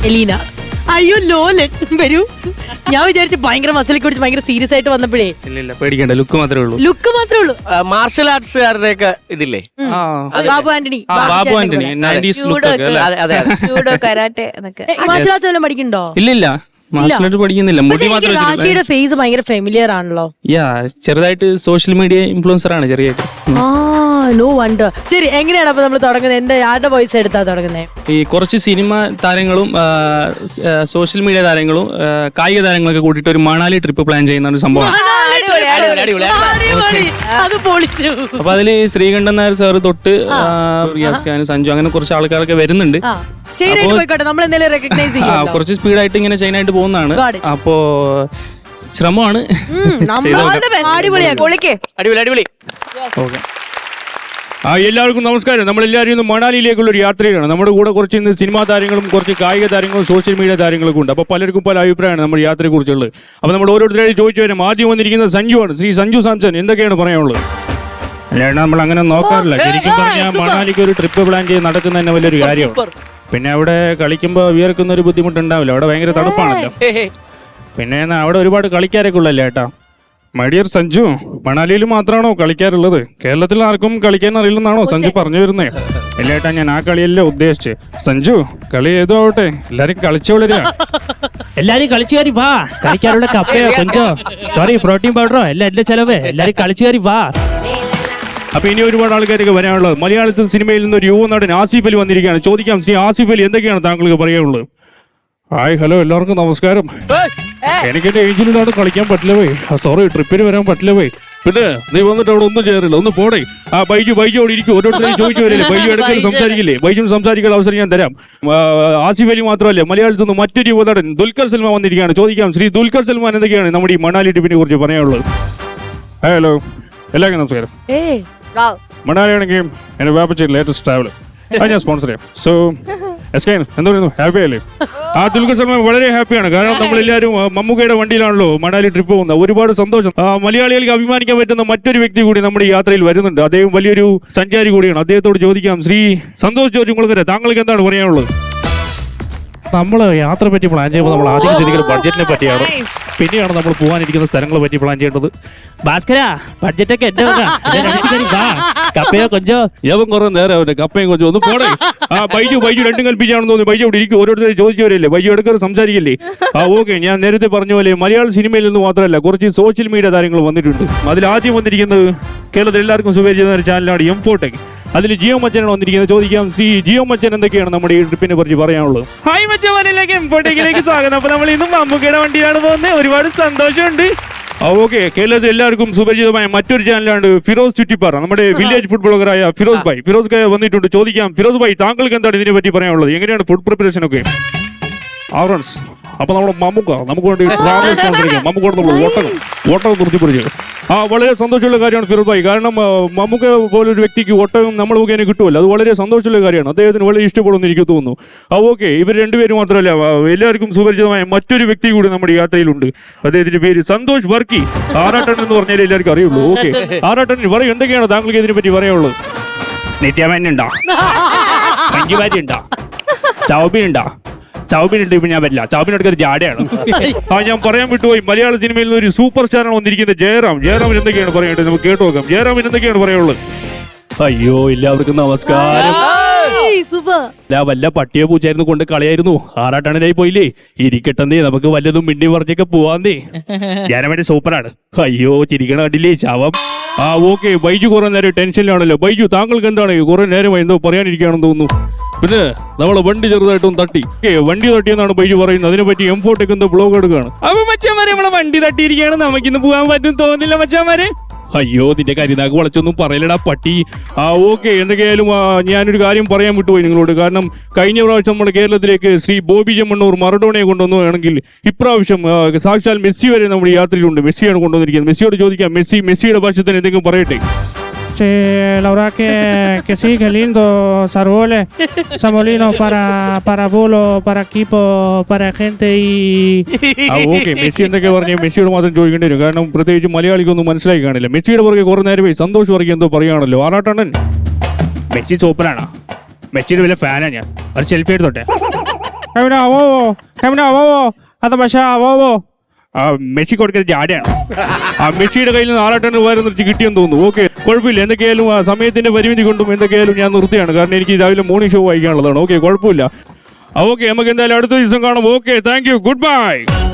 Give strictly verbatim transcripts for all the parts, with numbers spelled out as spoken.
Elina. അയ്യോ ലോലൻ വരൂ. ഞാൻ വിചാരിച്ചു ഭയങ്കര മസിലൊക്കെ പിടിച്ച് ഭയങ്കര സീരിയസ് ആയിട്ട് വന്നപ്പോഴേ. ഇല്ല പേടിക്കണ്ട, ലുക്ക് മാത്രമേ ഉള്ളൂ. ലുക്ക് മാത്രമേ ഉള്ളൂ. മാർഷൽ ആർട്സുകാരുടെ ഒക്കെ ഇതില്ലേ, ബാബു ആന്റണി. ബാബു ആന്റണി നയൻറ്റീസ് ലുക്ക് ഒക്കെ അല്ലേ? ജൂഡോ കരാട്ടെ എന്നൊക്കെ. മാർഷൽ ആർട്സ് വല്ലതും പഠിക്കണ്ടോ? ഇല്ല ഇല്ല മാർഷൽ ആർട്ട് പഠിക്കുന്നില്ല. മുടി മാത്രമേ. റാഷിയുടെ ഫേസ് ഭയങ്കര ഫെമിലിയർ ആണല്ലോ. യാ ചെറുതായിട്ട് സോഷ്യൽ മീഡിയ ഇൻഫ്ലുവൻസർ ആണ് ചെറിയായിട്ട്. ആ നോ വണ്ടർ. ശരി, എങ്ങനെയാണ് അപ്പൊ നമ്മൾ തുടങ്ങുന്നത്? എന്താ ആരുടെ വോയിസ് എടുത്താ തുടങ്ങുന്നത്? ഈ കുറച്ച് സിനിമ താരങ്ങളും സോഷ്യൽ മീഡിയ താരങ്ങളും കായിക താരങ്ങളൊക്കെ കൂട്ടിയിട്ട് ഒരു മണാലി ട്രിപ്പ് പ്ലാൻ ചെയ്യുന്ന ഒരു സംഭവമാണ്. അത് പൊളിച്ചു. അപ്പൊ അതില് ശ്രീകണ്ഠൻ നായർ സാറ് തൊട്ട് റിയാസ് ഖാൻ, സഞ്ജു, അങ്ങനെ കുറച്ച് ആൾക്കാരൊക്കെ വരുന്നുണ്ട്. കുറച്ച് സ്പീഡായിട്ട് ഇങ്ങനെ ചൈനായിട്ട് പോകുന്നതാണ്. അപ്പോ ശ്രമമാണ്. ആ എല്ലാവർക്കും നമസ്കാരം. നമ്മളെല്ലാവരും ഇന്ന് മണാലിയിലേക്കുള്ള ഒരു യാത്രയിലാണ്. നമ്മുടെ കൂടെ കുറച്ച് ഇന്ന് സിനിമാ താരങ്ങളും കുറച്ച് കായിക താരങ്ങളും സോഷ്യൽ മീഡിയ താരങ്ങളൊക്കെ ഉണ്ട്. അപ്പോൾ പലർക്കും പല അഭിപ്രായമാണ് നമ്മുടെ യാത്രയെക്കുറിച്ചുള്ളത്. അപ്പോൾ നമ്മൾ ഓരോരുത്തരായി ചോദിച്ചു വരാം. ആദ്യം വന്നിരിക്കുന്നത് സഞ്ജുവാണ്. ശ്രീ സഞ്ജു സാംസൺ, എന്തൊക്കെയാണ് പറയാനുള്ളത്? അല്ലാണ്ട് നമ്മൾ അങ്ങനെ നോക്കാറില്ല. ശരിക്കും പറഞ്ഞാൽ മണാലിക്ക് ഒരു ട്രിപ്പ് പ്ലാൻ ചെയ്ത് നടക്കുന്ന തന്നെ വലിയൊരു കാര്യമാണ്. പിന്നെ അവിടെ കളിക്കുമ്പോൾ വിയർക്കുന്ന ഒരു ബുദ്ധിമുട്ടുണ്ടാവില്ല. അവിടെ ഭയങ്കര തണുപ്പാണല്ലോ. പിന്നെ അവിടെ ഒരുപാട് കളിക്കാരൊക്കെ ഉള്ളല്ലേ ഏട്ടാ. മൈഡിയർ സഞ്ജു, മണാലിയിൽ മാത്രമാണോ കളിക്കാറുള്ളത്? കേരളത്തിൽ ആർക്കും കളിക്കാൻ അറിയില്ലെന്നാണോ സഞ്ജു പറഞ്ഞു വരുന്നത്? ഇല്ല ഏട്ടാ, ഞാൻ ആ കളിയല്ലേ ഉദ്ദേശിച്ച്. സഞ്ജു, കളി ഏതോ ആവട്ടെ, എല്ലാരും കളിച്ചു വളരുക. എല്ലാരും കളിച്ചു കയറി വാ. കളിക്കാനുള്ള കപ്പയോ കൊഞ്ചോ സോറി പ്രോട്ടീൻ പൗഡറോ എല്ലാം എന്റെ ചെലവ്. എല്ലാരും കളിച്ചു കയറി വാ. അപ്പൊ ഇനി ഒരുപാട് ആൾക്കാരൊക്കെ വരാനുള്ളത്. മലയാളത്തിൽ സിനിമയിൽ നിന്ന് ഒരു യുവ നടൻ ആസിഫ് അലി വന്നിരിക്കുകയാണ്. ചോദിക്കാം, ശ്രീ ആസിഫ് അലി, എന്തൊക്കെയാണ് താങ്കൾക്ക് പറയാനുള്ളത്? ഹായ്, ഹലോ, എല്ലാവർക്കും നമസ്കാരം. എനിക്ക് എന്റെ ഏജിലാണ് കളിക്കാൻ പറ്റില്ല പോയി. സോറി, ട്രിപ്പിന് വരാൻ പറ്റില്ല പോയി. പിന്നെ നീ വന്നിട്ട് അവിടെ ഒന്നും ചെയ്യാറില്ല, ഒന്ന് പോടേ. ആ ബൈജു ബൈജു അവിടെ ഇരിക്കും. ഓരോരുത്തരും ചോദിച്ചു വരില്ലേ, ബൈജു ഇടയ്ക്ക് സംസാരിക്കില്ലേ? ബൈജും സംസാരിക്കാൻ അവസരം ഞാൻ തരാം. ആസിഫ് അലി മാത്രമല്ല, മലയാളത്തിൽ നിന്ന് മറ്റൊരു യുവ നടൻ ദുൽഖർ സൽമാൻ വന്നിരിക്കുകയാണ്. ചോദിക്കാം, ശ്രീ ദുൽഖർ സൽമാൻ, എന്തൊക്കെയാണ് നമ്മുടെ ഈ മണാലി ട്രിപ്പിനെ കുറിച്ച് പറയാനുള്ളത്? ഹലോ, എല്ലാവർക്കും നമസ്കാരം. മണാലി ആണെങ്കിൽ എന്റെ വാപ്പച്ച ലേറ്റസ്റ്റ് ട്രാവൽ അത് ഞാൻ സ്പോൺസർ ചെയ്യാം. സോ എസ് കെ എന്താ പറയുന്നു, ഹാപ്പി അല്ലേ? ആ ദുൽഖർ സൽമാൻ വളരെ ഹാപ്പിയാണ്. കാരണം നമ്മളെല്ലാവരും മമ്മൂക്കയുടെ വണ്ടിയിലാണല്ലോ മണാലി ട്രിപ്പ് പോകുന്നത്. ഒരുപാട് സന്തോഷം. മലയാളികൾക്ക് അഭിമാനിക്കാൻ പറ്റുന്ന മറ്റൊരു വ്യക്തി കൂടി നമ്മുടെ ഈ യാത്രയിൽ വരുന്നുണ്ട്. അദ്ദേഹം വലിയൊരു സഞ്ചാരി കൂടിയാണ്. അദ്ദേഹത്തോട് ചോദിക്കാം, ശ്രീ സന്തോഷ് ജോർജ് കുളങ്ങര, താങ്കൾക്ക് എന്താണ് പറയാനുള്ളത്? നമ്മൾ യാത്ര പറ്റി പ്ലാൻ ചെയ്യുമ്പോൾ നമ്മൾ ആദ്യം ചിന്തിക്കുന്നത് ബഡ്ജറ്റിനെ പറ്റിയാണ്. പിന്നെയാണ് നമ്മൾ പോകാനിരിക്കുന്ന സ്ഥലങ്ങളെ പറ്റി പ്ലാൻ ചെയ്യേണ്ടത്. ഭാസ്കര, ബഡ്ജറ്റൊക്കെ എന്റെ കപ്പയോ കൊഞ്ചോ ഏവൻ കുറെ നേരം അവന്റെ കപ്പയും കൊഞ്ചോ ഒന്ന് പോടേ. ആ ബൈജു ബൈജു രണ്ടും കൽപ്പിച്ചാണെന്ന് തോന്നുന്നു. ബൈജു അവിടെ ഇരിക്കും. ഓരോരുത്തരെ ചോദിച്ചവരല്ലേ, ബൈജു എടുക്കാറ് സംസാരിക്കില്ലേ? ആ ഓക്കെ, ഞാൻ നേരത്തെ പറഞ്ഞ പോലെ മലയാള സിനിമയിൽ നിന്ന് മാത്രമല്ല കുറച്ച് സോഷ്യൽ മീഡിയ താരങ്ങൾ വന്നിട്ടുണ്ട്. അതിൽ ആദ്യം വന്നിരിക്കുന്നത് കേരളത്തിൽ എല്ലാവർക്കും സുപരിചിതമായ ഒരു ചാനലാണ് എം ഫോട്ടെക്. അതിൽ ജിയോ മച്ചനാണ് വന്നിരിക്കുന്നത്. ചോദിക്കാം, ശ്രീ ജിയോ മച്ചൻ, എന്തൊക്കെയാണ് നമ്മുടെ ഈ ട്രിപ്പിനെ കുറിച്ച് പറയാനുള്ളത്? ഹായ് മച്ചന്മാരിലേക്ക്, എം ഫോട്ടെക്കിലേക്ക് സ്വാഗതം. അപ്പൊ നമ്മൾ ഇന്നും മമ്മൂക്കയുടെ വണ്ടിയിലാണ് പോകുന്നത്. ഒരുപാട് സന്തോഷമുണ്ട്. ആ ഓക്കെ, കേരളത്തിൽ എല്ലാവർക്കും സുപരിചിതമായ മറ്റൊരു ചാനലാണ് ഫിറോസ് ചുറ്റിപ്പാറ. നമ്മുടെ വില്ലേജ് ഫുഡ് ബ്ലോഗറായ ഫിറോസ് ഭായ് ഫിറോസ് ഭായ് വന്നിട്ടുണ്ട്. ചോദിക്കാം, ഫിറോസ് ഭായ്, താങ്കൾക്ക് എന്താണ് ഇതിനെ പറ്റി പറയാനുള്ളത്? എങ്ങനെയാണ് ഫുഡ് പ്രിപ്പറേഷൻ ഒക്കെ? ആറൻസ്. അപ്പൊ നമ്മുടെ മമ്മൂക്ക നമുക്ക് വേണ്ടി ട്രാവൽ സ്പോൺസർ ചെയ്യാം. മമ്മൂക്കോട് നമ്മൾ ഓട്ടകം ഓട്ടകം നിർത്തിപ്പിടിച്ചു. ആ വളരെ സന്തോഷമുള്ള കാര്യമാണ് ഫിറോസ് ഭായ്. കാരണം മമ്മൂക്ക പോലൊരു വ്യക്തിക്ക് ഒട്ടകം നമ്മൾ മുഖേന കിട്ടുമല്ലോ. അത് വളരെ സന്തോഷമുള്ള കാര്യമാണ്. അദ്ദേഹത്തിന് വളരെ ഇഷ്ടപ്പെടുമെന്ന് എനിക്ക് തോന്നുന്നു. ആ ഓക്കെ, ഇവർ രണ്ടുപേരും മാത്രമല്ല, എല്ലാവർക്കും സുപരിചിതമായ മറ്റൊരു വ്യക്തി കൂടി നമ്മുടെ യാത്രയിലുണ്ട്. അദ്ദേഹത്തിന്റെ പേര് സന്തോഷ് വർക്കി. ആറാട്ടൻ എന്ന് പറഞ്ഞാൽ എല്ലാവർക്കും അറിയുള്ളൂ. ഓക്കെ, ആറാട്ടൻ പറയും, എന്തൊക്കെയാണ് താങ്കൾക്ക് ഇതിനെ പറ്റി പറയാനുള്ളത്? നിത്യമേനുണ്ടോ? മഞ്ജുവാരി ഉണ്ടോ? ചൗബി ഉണ്ടോ? ചൗബിനുണ്ട്. ഇപ്പൊ ഞാൻ പറ്റില്ല. ചൗബിനെടുക്കുന്ന ജാടയാണ്. ആ ഞാൻ പറയാൻ വിട്ടുപോയി, മലയാള സിനിമയിൽ നിന്ന് ഒരു സൂപ്പർ സ്റ്റാറാണ് വന്നിരിക്കുന്നത്, ജയറാം. ജയറാമിന് എന്തൊക്കെയാണ് പറയേണ്ടത്? നമുക്ക് കേട്ടു നോക്കാം. ജയറാമിന് എന്തൊക്കെയാണ് പറയാനുള്ളത്? അയ്യോ, എല്ലാവർക്കും നമസ്കാരം. ഞാൻ വല്ല പട്ടിയോ പൂച്ചായിരുന്നു കൊണ്ട് കളിയായിരുന്നു. ആറാട്ടണനായി പോയില്ലേ? ഇരിക്കട്ടെന്നേ, നമുക്ക് വല്ലതും മിണ്ടി പറഞ്ഞൊക്കെ പോവാന്നേ. ജയറാമിന്റെ സൂപ്പറാണ്. അയ്യോ, ചിരിക്കണ കണ്ടില്ലേ ശാവം. ആ ഓക്കെ, ബൈജു കുറെ നേരം ടെൻഷനിലാണല്ലോ. ബൈജു, താങ്കൾക്ക് എന്താണ് കുറെ നേരമായി എന്തോ പറയാനിരിക്കുകയാണെന്ന് തോന്നുന്നു. പിന്നെ നമ്മളെ വണ്ടി ചെറുതായിട്ടും തട്ടി. വണ്ടി തട്ടിയെന്നാണ് ബൈജു പറയുന്നത്. അതിനെപ്പറ്റി എം ഫോട്ടെക് എന്തോ ബ്ലോഗ് എടുക്കുകയാണ്. അപ്പൊ മച്ചാമാരെ, നമ്മളെ വണ്ടി തട്ടിയിരിക്കുകയാണ്. നമുക്കിന്ന് പോകാൻ പറ്റും തോന്നില്ല മച്ചാമാരെ. അയ്യോ, നിന്റെ കരിനാക്ക് വളച്ചൊന്നും പറയലടാ പട്ടി. ആ ഓക്കെ, എന്തൊക്കെയായാലും ഞാനൊരു കാര്യം പറയാൻ വിട്ടുപോയി നിങ്ങളോട്. കാരണം കഴിഞ്ഞ പ്രാവശ്യം നമ്മുടെ കേരളത്തിലേക്ക് ശ്രീ ബോബി ചെമ്മണ്ണൂർ മറഡോണയെ കൊണ്ടുവന്നുവാണെങ്കിൽ ഇപ്രാവശ്യം സാക്ഷാൽ മെസ്സി വരെ നമ്മുടെ യാത്രയിലുണ്ട്. മെസ്സിയാണ് കൊണ്ടുവന്നിരിക്കുന്നത്. മെസ്സിയോട് ചോദിക്കാം, മെസ്സി മെസ്സിയുടെ ഭാഷത്തിന് എന്തെങ്കിലും പറയട്ടെ? La verdad que, que sí, que lindo, Sarbole, Samolino para, para Bulo, para equipo, para gente y... ആ ഓക്കെ, മെസ്സി എന്തൊക്കെ പറഞ്ഞ മെസ്സിയോട് മാത്രം ചോദിക്കേണ്ടി വരും. കാരണം പ്രത്യേകിച്ച് മലയാളിക്കൊന്നും മനസ്സിലാക്കി കാണില്ല. മെസ്സിയുടെ പുറകെ കുറെ നേരമേ സന്തോഷ് വർക്കി എന്തോ പറയുകയാണല്ലോ. ആറാട്ടണ്ണൻ, മെസ്സി സൂപ്പറാണ്. മെസ്സിയുടെ വലിയ ഫാനാണ് ഞാൻ. ഒരു സെൽഫി എടുത്തോട്ടെ? Camina, bobo. Camina, bobo. Hasta para allá, bobo. ആ മെസ്സി കൊടുക്കുന്നത് ജാടയാണ്. ആ മെസ്സിയുടെ കയ്യിൽ നിന്ന് ആറാട്ടന് രൂപ കിട്ടിയെന്ന് തോന്നുന്നു. ഓക്കെ, കുഴപ്പമില്ല. എന്തൊക്കെയായാലും ആ സമയത്തിന്റെ പരിമിതി കൊണ്ടും എന്തൊക്കെയായാലും ഞാൻ നിർത്തിയാണ്. കാരണം എനിക്ക് രാവിലെ മോർണിംഗ് ഷോ വായിക്കാനുള്ളതാണ്. ഓക്കെ, കുഴപ്പമില്ല. ഓക്കെ, നമുക്ക് എന്തായാലും അടുത്ത ദിവസം കാണാം. Okay, thank you, good bye.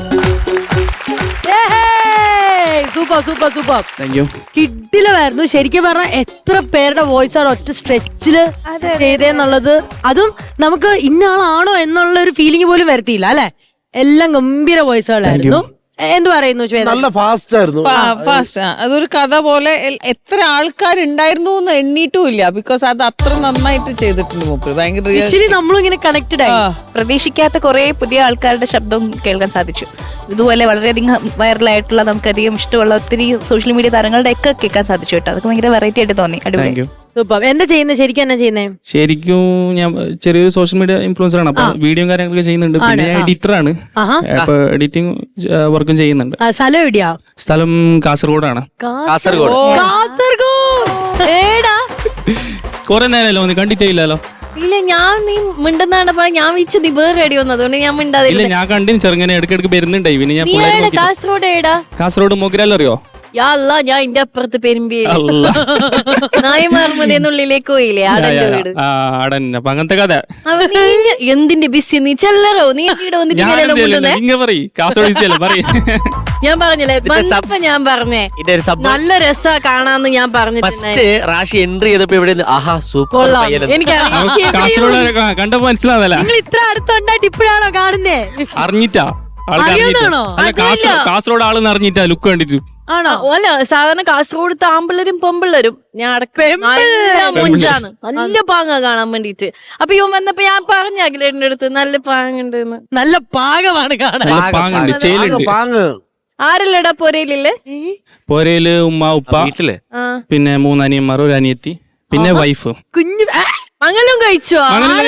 Super super super thank you. കിഡിലമായിരുന്നു. ശരിക്കും പറഞ്ഞാൽ എത്ര പേരുടെ വോയിസ് ആണ് ഒറ്റ സ്ട്രെച്ചില് ചെയ്തേന്നുള്ളത്. അതും നമുക്ക് ഇന്ന ആളാണോ എന്നുള്ള ഒരു ഫീലിംഗ് പോലും വരുത്തിയില്ല അല്ലെ. എല്ലാം ഗംഭീര വോയിസുകളായിരുന്നു. എന്ത് പറയുന്നു ശ്വേത? നല്ല ഫാസ്റ്റ് ആയിരുന്നു. ഫാസ്റ്റ് അതൊരു കഥ പോലെ എൽ- എത്ര ആൾക്കാരുണ്ടായിരുന്നു എന്ന് എണ്ണീട്ടും ഇല്ല. ബിക്കോസ് അത് അത്ര നന്നായിട്ട് ചെയ്തിട്ടുണ്ട് മൂപ്പര്. ഭയങ്കര ആക്ച്വലി നമ്മളും ഇങ്ങനെ കണക്റ്റഡ് ആയി. പ്രതീക്ഷിക്കാത്ത കുറെ പുതിയ ആൾക്കാരുടെ ശബ്ദം കേൾക്കാൻ സാധിച്ചു. ഇതുപോലെ വളരെയധികം വൈറലായിട്ടുള്ള നമുക്കധികം ഇഷ്ടമുള്ള ഒത്തിരി സോഷ്യൽ മീഡിയ താരങ്ങളുടെ ഒക്കെ കേൾക്കാൻ സാധിച്ചു കേട്ടോ. അതൊക്കെ ഭയങ്കര വെറൈറ്റി ആയിട്ട് തോന്നി. അടിപൊളി. സൂപ്പർ. എന്താ ചെയ്യുന്നത് ശരിക്കും? എന്നാ ചെയ്യുന്നേ? ശരിക്കും ഞാൻ ചെറിയൊരു സോഷ്യൽ മീഡിയ ഇൻഫ്ലുവൻസർ ആണ്. അപ്പൊ വീഡിയോ കാര്യങ്ങളൊക്കെ ചെയ്യുന്നുണ്ട്. പിന്നെ ഞാൻ എഡിറ്റർ ആണ്. അപ്പൊ എഡിറ്റിംഗ് വർക്കും ചെയ്യുന്നുണ്ട്. ആ, സ്ഥലം എവിടെയാ? സ്ഥലം കാസർഗോഡാണ്. കാസർഗോഡ്. കാസർഗോഡ്. ഏടാ? കുറെ നേരമല്ലോ ഒന്ന് കണ്ടിട്ടേ ഇല്ലല്ലോ. ഇല്ല, ഞാൻ നീ മിണ്ടെന്നാണ് പറഞ്ഞ ഞാൻ വിളിച്ചു നീ വേറെ റെഡി വന്നു. അതുകൊണ്ട് ഞാൻ ഇല്ല, മിണ്ടാതില്ല. ഞാൻ കണ്ടിന് ചെറുങ്ങനെ ഇടയ്ക്കിടയ്ക്ക് വരുന്നുണ്ടായി. പിന്നെ ഞാൻ നീ പിള്ളേരെ ഏടാ? നോക്കി- കാസർഗോഡ് ഏടാ? കാസർഗോഡ് മൊഗ്രാൽ അറിയോ? യാ അല്ല, ഞാൻ ഇന്റെ അപ്പുറത്ത് പെരുമ്പി അല്ല. നായമാർമതേന്നുള്ളിലേക്ക് പോയില്ലേ ആടന്റെ വീട്. ആ ആടന്നെ. അപ്പൊ അങ്ങനത്തെ കഥ. അവ നീ എന്തിന്റെ ബിസി? നീ ചെല്ലറോ? നീ ഇവിടെ വന്നിട്ട് ഞാൻ ഇങ്ങനെയല്ലേ മുണ്ടുന്നേ? നിങ്ങ പറയ് കാസർഗോഡ് വിഷയല്ലേ പറയ്. ഞാൻ പറഞ്ഞില്ലേ വന്നപ്പോ ഞാൻ പറഞ്ഞേ ഇതിന്റെ ഒരു സംഭവം നല്ല രസാ കാണാന്ന് ഞാൻ പറഞ്ഞിട്ടുണ്ടായി. ഫസ്റ്റ് റാഷി എൻട്രി ചെയ്തപ്പോ ഇവിടെ നിന്ന് ആഹാ സൂപ്പർ കൊള്ളാം. പയ്യനെന്ന്. എനിക്കറിയാം. കാസർഗോഡ് കണ്ടപ്പോ മനസ്സിലാവുന്നല്ല. നിങ്ങൾ ഇത്ര അടുത്തുണ്ടായിട്ട് ഇപ്പോഴാണോ കാണുന്നേ? അറിഞ്ഞിട്ടാ ആൾക്ക് അറിഞ്ഞിട്ടാ. അറിയാവുന്നതാണോ? അല്ല, കാസർഗോഡ് കാസർഗോഡ് ആളെന്ന് അറിഞ്ഞിട്ടാ ലുക്ക് കണ്ടിട്ട്. ആണോ? അല്ല, സാധാരണ കാസർഗോഡ് ആമ്പിള്ളരും പെമ്പിള്ളരും ഞാൻ അടക്കം നല്ല മുഞ്ചാണ്. നല്ല പാങ്ങ കാണാൻ വേണ്ടിട്ട്. അപ്പൊ ഇവൻ വന്നപ്പോ ഞാൻ പറഞ്ഞ അഖിലേട്ടന്റെ അടുത്ത് നല്ല പാങ്ങുണ്ട്. നല്ല പാകമാണ് കാണാൻ. നല്ല പാങ്ങുണ്ട്, ചേലുണ്ട്. പാങ്ങ് ആരല്ലടാ പൊരയിലില്ലേ? പോരയില് ഉമ്മ ഉപ്പ വീട്ടില് ആ പിന്നെ മൂന്ന് അനിയന്മാർ ഒരു അനിയത്തി പിന്നെ വൈഫ്. കുഞ്ഞു ആ, മംഗലം കഴിച്ചോ?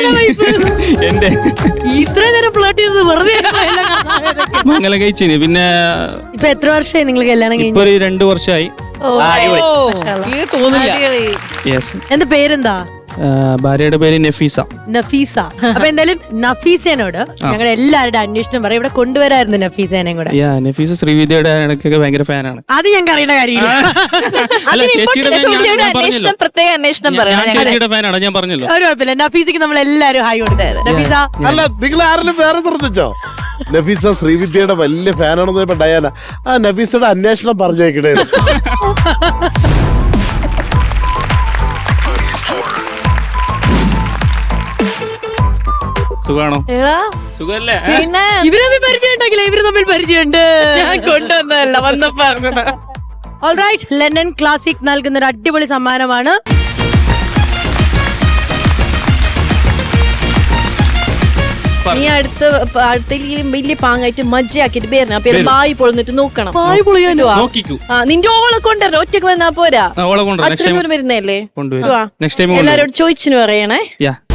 എന്റെ ഇത്രയും നേരം ഫ്ലോട്ട് ചെയ്തത് വെറുതെ ആയിരുന്നോ? മംഗലം കഴിച്ചിന്. പിന്നെ ഇപ്പൊ എത്ര വർഷമായി നിങ്ങൾ കല്യാണം ഇപ്പൊ കഴിഞ്ഞു? ഒരു രണ്ടു വർഷമായി. ഇത് തോന്നില്ല. യെസ്. എന്താ പേരെന്താ? ഭാര്യയുടെ പേര് നഫീസ. നഫീസ. അപ്പൊ എന്തായാലും നഫീസേനോട് ഞങ്ങളുടെ എല്ലാവരുടെ അന്വേഷണം പറയും. ഇവിടെ കൊണ്ടുവരായിരുന്നു നഫീസേനയും കൂടെ. യാ നഫീസ ശ്രീവിദ്യയുടെ ഇടയ്ക്കൊക്കെ ഭയങ്കര ഫാനാണ്. അത് ഞങ്ങൾക്ക് അറിയേണ്ട കാര്യമില്ല. അല്ല, ചേച്ചിയുടെ fan ഞാൻ- ഞാൻ പറഞ്ഞല്ലോ. അന്വേഷണം പ്രത്യേക അന്വേഷണം ഞാൻ പറയാം. ചേച്ചിയുടെ ഫാനാണ്, ഞാൻ പറഞ്ഞല്ലോ. ഒരു കുഴപ്പമില്ല. നഫീസക്ക് നമ്മൾ എല്ലാവരും ഹായ് കൊടുത്തത്. നഫീസ അല്ല, നിങ്ങൾ ആരെങ്കിലും വേറെ ശ്രദ്ധിച്ചോ? നഫീസ ശ്രീവിദ്യയുടെ വലിയ ഫാനാണെന്ന് ഇപ്പൊ ഡയാന. ആ നഫീസയുടെ അന്വേഷണം പറഞ്ഞേക്കണേ. സുഖാണോ? എടാ, സുഖല്ലേ? പിന്നെ ഇവര് തമ്മിൽ പരിചയം ഉണ്ടെങ്കിലേ ഇവര് തമ്മിൽ പരിചയമുണ്ട്. ഞാൻ കൊണ്ടുവന്നതല്ല, വന്നപ്പോ പറഞ്ഞതാ. ഓൾറൈറ്റ്, ലണ്ടൻ ക്ലാസിക് നൽകുന്ന ഒരു അടിപൊളി സമ്മാനമാണ്. നീ അടുത്ത അടുത്തെങ്കിലും വലിയ പാങ്ങായിട്ട് മജ്ജയാക്കിട്ട് പേരണ. അപ്പൊ വരും. ബായി പൊളന്നിട്ട് നോക്കണം. പായ് പൊളിയാനോ? നോക്കിക്കൂ. ആ, നിന്റെ ഓളെ കൊണ്ടുവരണം. ഒറ്റക്ക് വന്നാ പോരാ. ആ, ഓളെ കൊണ്ടുവരാം. നെക്സ്റ്റ് അത്രയും ടൈം ദൂരം വരുന്നല്ലേ? കൊണ്ടുവരാം. നെക്സ്റ്റ് ടൈം എല്ലാരോടും ചോദിച്ചിന് പറയണേ. യാ